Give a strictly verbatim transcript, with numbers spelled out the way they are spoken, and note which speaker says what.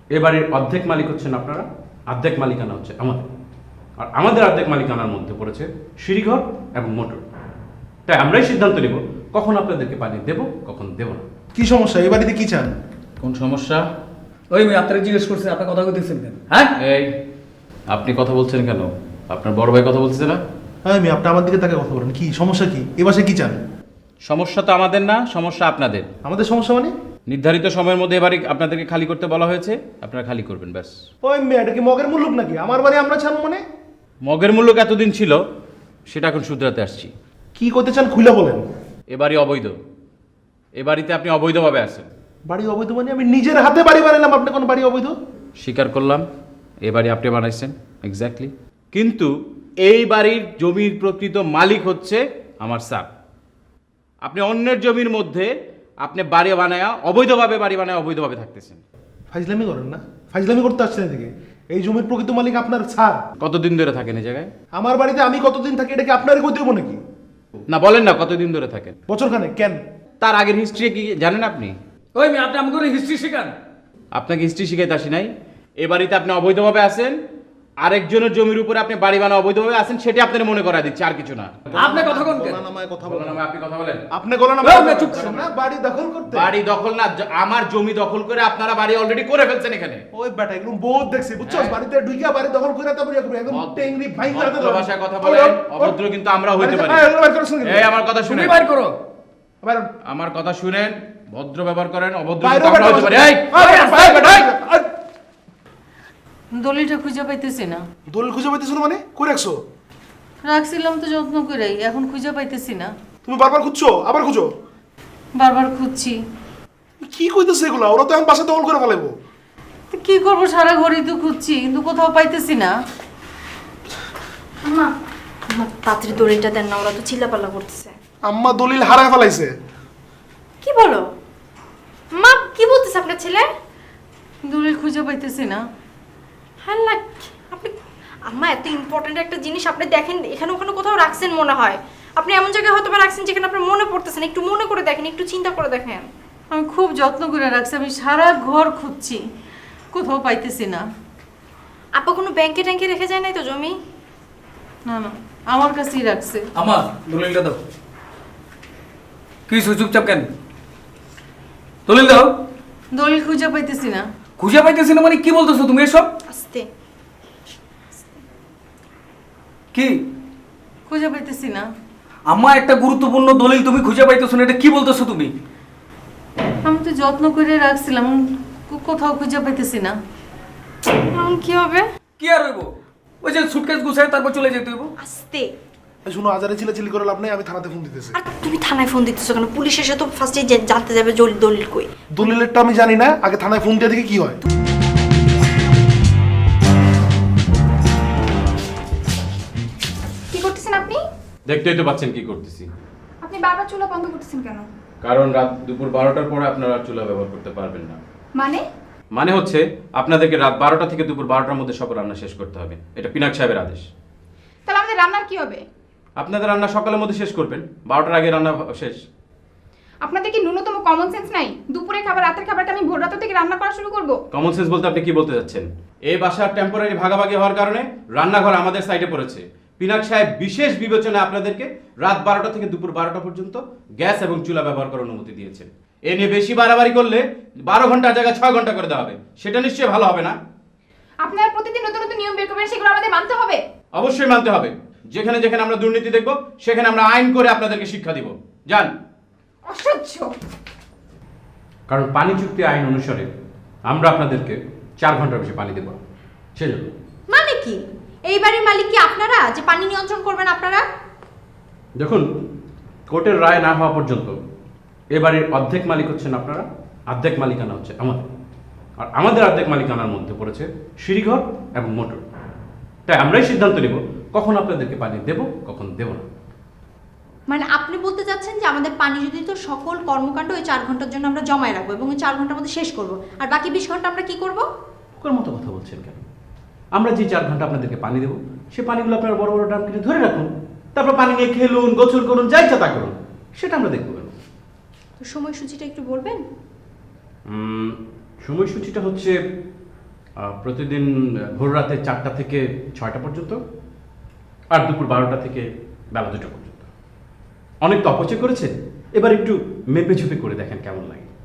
Speaker 1: এ বাড়ির অর্ধেক মালিক হচ্ছেন আপনারা, অর্ধেক মালিকানা হচ্ছে আমাদের। আর আমাদের অর্ধেক মালিকানার মধ্যে পড়েছে সিঁড়িঘর এবং মোটর। তাই আমরাই সিদ্ধান্ত নেব কখন আপনাদেরকে পানি দেব, কখন দেব না।
Speaker 2: কি সমস্যা? এই বাড়িতে কি চান?
Speaker 1: কোন সমস্যা?
Speaker 3: ওই মেয়ে আপনারা জিজ্ঞেস করছেন, আপনার কথা বলতেছেন কেন? হ্যাঁ,
Speaker 1: এই আপনি কথা বলছেন কেন? আপনার বড় ভাই কথা বলতেছে না?
Speaker 2: হ্যাঁ, আমি আপনি আমার দিকে তাকে কথা বলেন। কি সমস্যা? কি এ বাসায় কি চান?
Speaker 1: সমস্যা তো আমাদের না, সমস্যা আপনাদের।
Speaker 2: আমাদের সমস্যা মানে?
Speaker 1: নির্ধারিত সময়ের মধ্যে এবারে আপনাদেরকে খালি করতে বলা হয়েছে, আপনারা খালি করবেন ব্যাস।
Speaker 2: ওই মেয়ে, এটা কি মগের মুল্লুক নাকি? আমার বাড়ি আমরা চান মানে?
Speaker 1: মগের মূল্য এতদিন ছিল, সেটা এখন শুধরাতে আসছি।
Speaker 2: কি করতে চান খুলে বলেন।
Speaker 1: এ বাড়ি অবৈধ, এ বাড়িতে আপনি অবৈধভাবে আছেন।
Speaker 2: বাড়ি অবৈধ মানে? আমি নিজের হাতে বাড়ি বানালাম, আপনি কোন বাড়ি অবৈধ?
Speaker 1: স্বীকার করলাম, এ বাড়ি আপনি বানাইছেন এক্স্যাক্টলি, কিন্তু এই বাড়ির জমির প্রকৃত মালিক হচ্ছে আমার স্যার। আপনি অন্যের জমির মধ্যে আপনি বাড়ি বানায়া অবৈধভাবে বাড়ি বানায় অবৈধভাবে থাকতেছেন।
Speaker 2: ফাইজলামি করেন না? ফাইজলামি করতে আসছেন এদিকে? এই জমির প্রকৃত মালিক আপনার স্যার।
Speaker 1: কতদিন ধরে থাকেন এই জায়গায়?
Speaker 2: আমার বাড়িতে আমি কতদিন থাকি এটা কি আপনার কই দেবো নাকি?
Speaker 1: না বলেন না, কতদিন ধরে থাকেন?
Speaker 2: বছর খানে। কেন?
Speaker 1: তার আগের হিস্ট্রি কি জানেন আপনি?
Speaker 3: ওই মেয়ে আপনি আমাকে হিস্ট্রি শেখান।
Speaker 1: আপনাকে হিস্ট্রি শিখাইতে আসি নাই। এ বাড়িতে আপনি অবৈধভাবে আছেন, আরেকজনের জমির উপরে আপনি বাড়ি বানা অবৈধভাবে আছেন, সেটা আপনার মনে করা দিচ্ছে, আর কিছু না।
Speaker 3: আপনি কথা কোন কেন?
Speaker 2: গলা নামায় কথা
Speaker 1: বলেন,
Speaker 2: বলেন।
Speaker 1: আপনি কথা বলেন।
Speaker 2: আপনি গলা
Speaker 3: ওই
Speaker 2: নামায়
Speaker 3: মেয়ে চুপ
Speaker 2: কথা
Speaker 3: করুন
Speaker 2: বলেন না, বাড়ি দখল করতে।
Speaker 1: বাড়ি দখল না, জ- আমার জমি দখল করে আপনারা বাড়ি অলরেডি করে ফেলছেন এখানে।
Speaker 2: ওই বেটা এগুলো বহুত দেখছি, বুঝছস?
Speaker 1: হ্যাঁ।
Speaker 2: বাড়িতে ঢুকিয়া বাড়ি দখল করে তারপর একদম একদম টেংরি ভাইঙ্গা হাতে
Speaker 1: ভদ্র
Speaker 2: ধরে।
Speaker 1: ভাষায় কথা বলেন, অভদ্র কিন্তু আমরা হইতে পারি।
Speaker 2: এই, এগুলো বের করছেন কেন?
Speaker 1: এই আমার কথা
Speaker 3: তুমি
Speaker 1: শুনেন,
Speaker 3: বাইর করো।
Speaker 2: বাইরে।
Speaker 1: আমার কথা শুনেন, ভদ্র ব্যবহার করেন, অভদ্র
Speaker 2: বাইরে
Speaker 1: কিন্তু আমরা
Speaker 2: বেটা,
Speaker 1: হইতে পারি। এই,
Speaker 2: বাইরে, বাইরে,
Speaker 1: এই, এই,
Speaker 2: বাইরে।
Speaker 4: দলিলটা খুঁজে পাইতেছি না।
Speaker 2: দলিল খুঁজে পাইতেছ না মানে? কই রাখছো?
Speaker 4: রাখছিলাম তো যত্ন করেই, এখন খুঁজে পাইতেছি না।
Speaker 2: তুমি বারবার খুঁজছো, আবার খুঁজো।
Speaker 4: বারবার খুঁজছি।
Speaker 2: কি কইতেছে এগুলা? ওরা তো এখন বাসা দখল করে ফেলাইবো।
Speaker 4: তো কি করবো, সারা ঘড়ি তো খুঁজছি কিন্তু কোথাও পাইতেছি না।
Speaker 5: আম্মা, আম্মা তাড়াতাড়ি দড়িটা দেন না, ওরা তো চিল্লাপাল্লা করতেছে।
Speaker 2: আম্মা দলিল হারায় ফেলাইছে।
Speaker 5: কি বলো মা? কি বলতেছে আপনার ছেলে?
Speaker 4: দলিল খুঁজে পাইতেছি না।
Speaker 5: হ্যাঁ লাগ আপনি আম্মা, এত ইম্পর্টেন্ট একটা জিনিস আপনি দেখেন এখানে ওখানে কোথাও রাখছেন মনে হয়। আপনি এমন জায়গায় হয়তো বা রাখছেন যেখানে আপনার মনে পড়তেছে না। একটু মনে করে দেখেন, একটু চিন্তা করে দেখেন।
Speaker 4: আমি খুব যত্ন করে রাখছি, আমি সারা ঘর খুঁজছি, কোথাও পাইতেছি না।
Speaker 5: আপা কোনো ব্যাংকে ট্যাঙ্কে রেখে যায় নাই তো জমি?
Speaker 4: না না, আমার কাছেই রাখছে।
Speaker 3: আমার দলিলটা দাও। কি হইছে, চুপচাপ কেন? দলিল দাও।
Speaker 4: দলিল খুঁজে পাইতেছি না।
Speaker 3: খুঁজে পাইতেছি না মানে কি বলতেছো তুমি এসব?
Speaker 5: আস্তে।
Speaker 3: কি
Speaker 4: খুঁজে পাইতেছি না।
Speaker 3: আমার একটা গুরুত্বপূর্ণ দলিল তুমি খুঁজে পাইতেছো না, এটা কি বলতেছো তুমি?
Speaker 4: আমি তো যত্ন করে রাখছিলাম, কো- কোথাও খুঁজে পাইতেছি না।
Speaker 5: এখন কি হবে?
Speaker 3: কি আর হইব? ওই যে সুটকেস গুছায় তারপর চলে যেতে হইব।
Speaker 5: আস্তে।
Speaker 2: এই শুনো, আজারে চিল্লাচিল্লি করে লাভ নেই, আমি থানাতে ফোন দিতেছি।
Speaker 5: আর তুমি থানায় ফোন দিতেছো কেন? পুলিশ এসে তো ফার্স্টে জানতে যাবে জল- দলিল কই।
Speaker 2: দলিলেরটা আমি জানি না, আগে থানায় ফোন দিয়ে দেখি কি হয়।
Speaker 6: কি করতেছেন আপনি?
Speaker 1: দেখতেই তো পাচ্ছেন কি করতেছি।
Speaker 6: আপনি বারবার চুলা বন্ধ করতেছেন কেন?
Speaker 1: কারণ রাত দুপুর বারোটার পরে আপনারা আর চুলা ব্যবহার করতে পারবেন না।
Speaker 6: মানে?
Speaker 1: মানে হচ্ছে আপনাদেরকে রাত বারোটা থেকে দুপুর বারোটার মধ্যে সব রান্না শেষ করতে হবে, এটা পিনাক সাহেবের আদেশ।
Speaker 6: তাহলে আমাদের রান্নার কি হবে?
Speaker 1: আপনাদের রান্না সকালের মধ্যে শেষ করবেন, বারোটার আগে রান্না শেষ।
Speaker 6: আপনাদের কি ন্যূনতম কমন সেন্স নাই? দুপুরে খাবার রাতের খাবারটা আমি ভোর রাত থেকে রান্না করা শুরু করব?
Speaker 1: কমন সেন্স বলতে আপনি কি বলতে যাচ্ছেন? এই বাসার টেম্পোরারি ভাগাভাগি হওয়ার কারণে রান্নাঘর আমাদের সাইডে পড়েছে। পিনাক সাহেব বিশেষ বিবেচনায় আপনাদেরকে রাত বারোটা থেকে দুপুর বারোটা পর্যন্ত গ্যাস এবং চুলা ব্যবহার করার অনুমতি দিয়েছেন। এ নিয়ে বেশি বাড়াবাড়ি করলে বারো ঘন্টার জায়গায় ছয় ঘন্টা করে দেওয়া হবে, সেটা নিশ্চয়ই ভালো হবে না।
Speaker 6: আপনারা প্রতিদিন নতুন নতুন নিয়ম বের করবেন, সেগুলো আমাদের মানতে হবে।
Speaker 1: অবশ্যই মানতে হবে। যেখানে যেখানে আমরা দুর্নীতি দেখব সেখানে আমরা আইন করে আপনাদেরকে শিক্ষা দিব। যান।
Speaker 6: অসহ্য।
Speaker 1: কারণ পানি চুক্তি আইন অনুসারে আমরা আপনাদেরকে চার ঘন্টার বেশি পানি দেব সেই জন্য।
Speaker 5: মানে কি? এই বাড়ির মালিক কি আপনারা, যে পানি নিয়ন্ত্রণ করবেন আপনারা?
Speaker 1: দেখুন, কোর্টের রায় না হওয়া পর্যন্ত এ বাড়ির অর্ধেক মালিক হচ্ছেন আপনারা, অর্ধেক মালিকানা হচ্ছে আমাদের। আর আমাদের অর্ধেক মালিকানার মধ্যে পড়েছে সিঁড়িঘর এবং মোটর। তাই আমরাই সিদ্ধান্ত নেব কখন আপনাদেরকে পানি দেব, কখন দেব না।
Speaker 5: মানে আপনি বলতে চাচ্ছেন যে আমাদের পানি যদি তো সকল কর্মকাণ্ড ওই চার ঘন্টার জন্য আমরা জমায় রাখবো এবং ওই চার ঘন্টার মধ্যে শেষ করব, আর বাকি বিশ ঘন্টা আমরা কি করব?
Speaker 1: ওর মতো কথা বলছেন কেন? আমরা যে চার ঘন্টা আপনাদেরকে পানি দেবো সে পানিগুলো আপনারা বড় বড় ড্রাম কিনে ধরে রাখুন, তারপর পানি নিয়ে খেলুন, গোসল করুন, যা ইচ্ছা তা করুন, সেটা আমরা দেখবো কেন?
Speaker 5: তো সময়সূচিটা একটু বলবেন?
Speaker 1: উম, সময়সূচিটা হচ্ছে আহ, প্রতিদিন ভোর রাতে চারটা থেকে ছয়টা পর্যন্ত, আর দুপুর বারোটা থেকে বেলা দুটো পর্যন্ত। অনেক তো অপচয় করেছে, এবার একটু মেপে ঝুপে করে দেখেন কেমন লাগে।